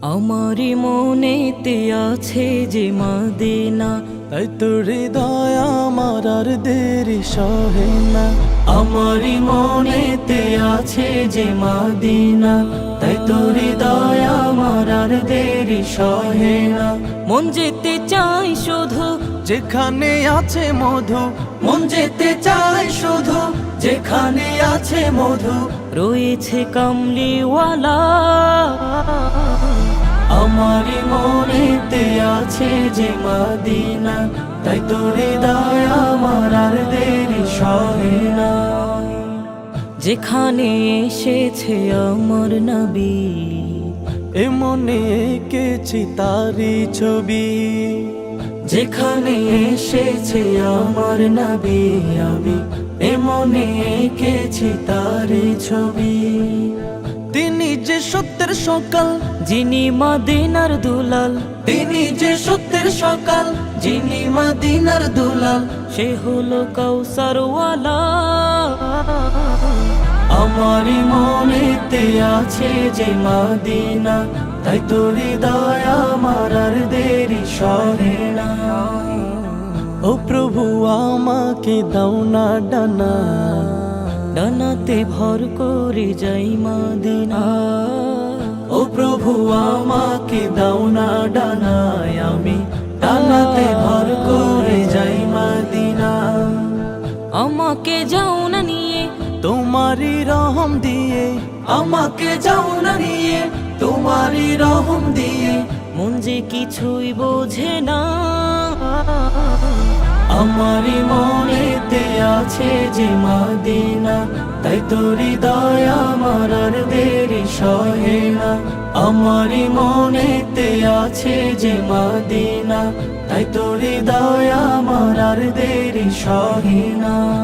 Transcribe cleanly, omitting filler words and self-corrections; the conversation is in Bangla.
আমারি মনেতে আছে যে মদিনা, তাই তোর হৃদয় আমার আর দেরি সহে না। আমারি মনেতে আছে যে মদিনা, তাই তোর হৃদয় আমার আর দেরি সহে না। মন যেতে চাই শুধু যেখানে আছে মধু, মন যেতে চাই শুধু যেখানে আছে মধু, রয়েছে কামলিওয়ালা। আমারি মনেতে আছে যে মদিনা, তাই তোর হৃদয় আমার আর দেরি সহে না। যেখানে এসেছে আমার নবী, এ মনে এঁকেছি তারি ছবি। যেখানে এসেছে আমার নবী, আমি এ মনে এঁকেছি তার ছবি। তিনি যে সত্যের সকাল, যিনি মদিনার দুলাল, তিনি যে সত্যের সকাল, যিনি মদিনার দুলাল, সে হলো কাউসারওয়ালা। আমারি মনেতে আছে যে মদিনা, তাই তোর হৃদয় আমার আর দেরি সহে না। ও প্রভু আমাকে দাও না ডানা, ডানাতে ভর করে যাই মদিনা। ও প্রভু আমাকে দাও না ডানায়, আমি ডানাতে ভর করে যাই মদিনা। আমাকে যাও না নিয়ে তোমারই রহম দিয়ে, আমাকে যাও না নিয়ে তোমারই রহম দিয়ে, মন যে কিছুই বোঝে না। আমারি মনেতে আছে যে মদিনা, তাই তোর হৃদয় আমার আর দেরি সহে না। আমারি মনেতে আছে যে মদিনা, তাই তোর হৃদয় আমার আর দেরি সহে না।